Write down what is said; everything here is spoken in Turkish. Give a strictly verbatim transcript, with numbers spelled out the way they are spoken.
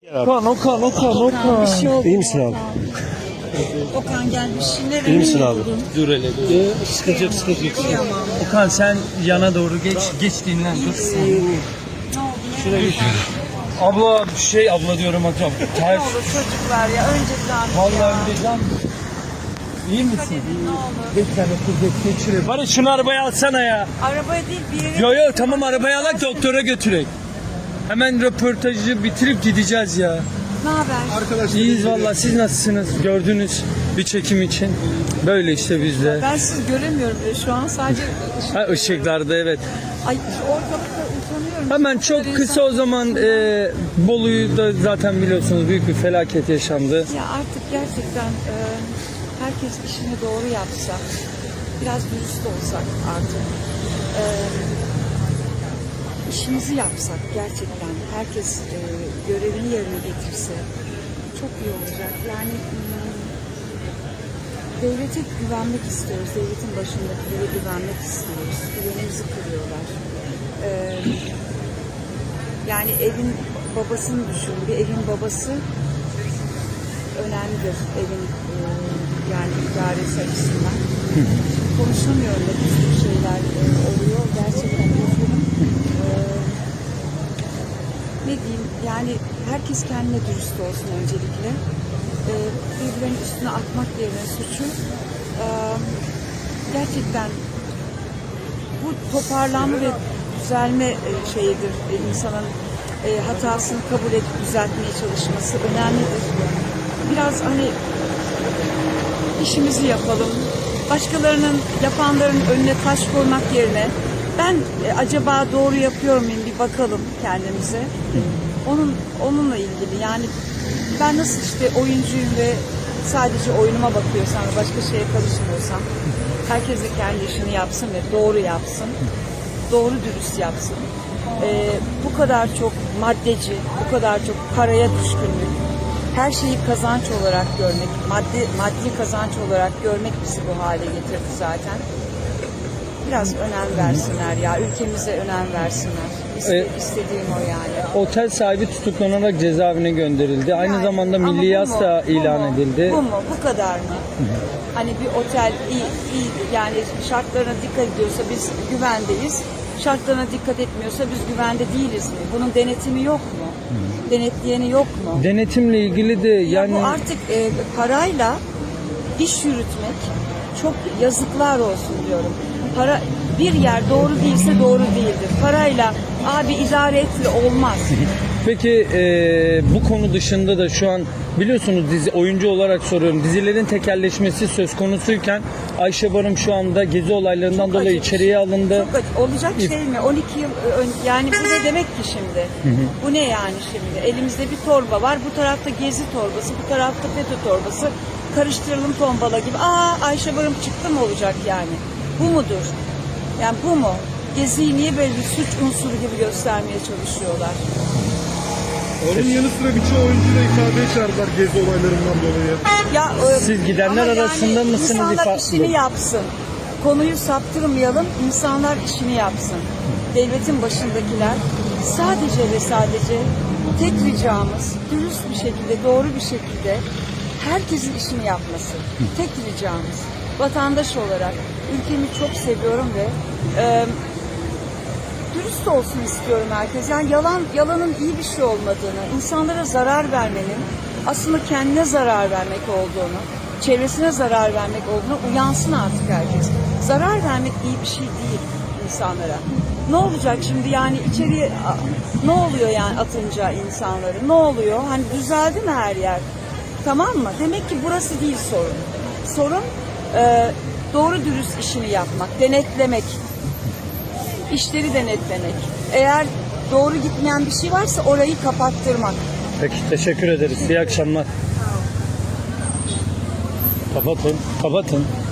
Okan, Okan, Okan, Okan. Bir şey oldu. İyi misin abi? Okan gelmiş. Nereye İyi misin abi? Dur hele dur. Ee, sıkıntı yok, sıkıntı yok. Kıyamam. Okan sen yana doğru geç, geç dinlen dur. Ne oldu? Şuraya geç. Abla şey abla diyorum hocam. Ne Ters. olur çocuklar ya önceden. Vallahi bileceğim. İyi misin? Ne olur. Bir tane kuvvet geçirir. Bari şunu arabaya alsana ya. Arabaya değil bir yere. Yo yo tamam arabaya alak doktora götürek. Hemen röportajı bitirip gideceğiz ya. Ne haber? İyiyiz valla siz nasılsınız? Gördünüz bir çekim için. Böyle işte bizde. Ben sizi göremiyorum bile şu an sadece ışık. Ha ışıklarda evet. Ay şu ortalıkta utanıyorum. Hemen çok kısa o zaman e, Bolu'yu da zaten biliyorsunuz büyük bir felaket yaşandı. Ya artık gerçekten e, herkes işini doğru yapsa, biraz dürüst olsak artık, e, işimizi yapsak gerçekten, herkes e, görevini yerine getirse çok iyi olacak. Yani hmm, devlete güvenmek istiyoruz, devletin başındakilere güvenmek istiyoruz, güvenimizi kırıyorlar. E, yani evin babasını düşün, bir evin babası önemlidir evin e, yani idaresi açısından. Konuşamıyorum da bir sürü şeyler e, oluyor. Gerçekten üzgünüm. E, ne diyeyim yani herkes kendine dürüst olsun öncelikle. E, birbirlerinin üstüne atmak yerine suçu e, gerçekten bu toparlanma ve düzelme e, şeyidir. E, insanın e, hatasını kabul edip düzeltmeye çalışması önemlidir. Biraz hani işimizi yapalım. Başkalarının, yapanların önüne taş koymak yerine ben e, acaba doğru yapıyor muyum bir bakalım kendimize. Onun onunla ilgili yani ben nasıl işte oyuncuyum ve sadece oyunuma bakıyorsam ve başka şeye karışmıyorsam herkes de kendi işini yapsın ve doğru yapsın. Doğru dürüst yapsın. E, bu kadar çok maddeci, bu kadar çok paraya düşkünlük, her şeyi kazanç olarak görmek, maddi maddi kazanç olarak görmek bizi bu hale getirdi zaten. Biraz önem versinler ya, ülkemize önem versinler. İste, Evet. istediğim o yani. Otel sahibi tutuklanarak cezaevine gönderildi. Aynı Yani, zamanda ama milli bu yas mu? da Bu ilan mu? edildi. Bu mu? Bu kadar mı? Hani bir otel iyi, iyi yani şartlarına dikkat ediyorsa biz güvendeyiz. Şartlarına dikkat etmiyorsa biz güvende değiliz mi? Bunun denetimi yok mu? Denetleyeni yok mu? Denetimle ilgili de yani Ya bu artık e, parayla iş yürütmek çok yazıklar olsun diyorum. Para bir yer doğru değilse doğru değildir. Parayla abi idare etle olmaz. peki e, bu konu dışında da şu an biliyorsunuz dizi oyuncu olarak soruyorum. Dizilerin tekelleşmesi söz konusuyken Ayşe Barım şu anda gezi olaylarından Çok dolayı acı. içeriye alındı. Çok acı. Olacak şey mi? on iki yıl ön, yani bu ne demek ki şimdi? Bu ne yani şimdi? Elimizde bir torba var. Bu tarafta gezi torbası, bu tarafta FETÖ torbası. Karıştıralım tombala gibi. Aa Ayşe Barım çıktı mı olacak yani? Bu mudur? Yani bu mu? Geziyi niye böyle bir suç unsuru gibi göstermeye çalışıyorlar? Onun yanı sıra birçok oyuncuyu da ifadeye çağırdılar gezi olaylarından dolayı. Ya, e, Siz gidenler ama arasında yani mısınız İnsanlar ifa- işini yapsın. Konuyu saptırmayalım, insanlar işini yapsın. Devletin başındakiler sadece ve sadece tek ricamız dürüst bir şekilde, doğru bir şekilde herkesin işini yapması. Tek ricamız. Vatandaş olarak ülkemi çok seviyorum ve e, dürüst olsun istiyorum herkes. Yani yalan yalanın iyi bir şey olmadığını, insanlara zarar vermenin aslında kendine zarar vermek olduğunu, çevresine zarar vermek olduğunu uyansın artık herkes. Zarar vermek iyi bir şey değil insanlara. Ne olacak şimdi yani içeriye ne oluyor yani atınca insanları? Ne oluyor? Hani düzeldi mi her yer? Tamam mı? Demek ki burası değil sorun. Sorun e, doğru dürüst işini yapmak, denetlemek. İşleri denetlemek. Eğer doğru gitmeyen bir şey varsa orayı kapattırmak. Peki teşekkür ederiz. İyi akşamlar. Kapatın. Kapatın.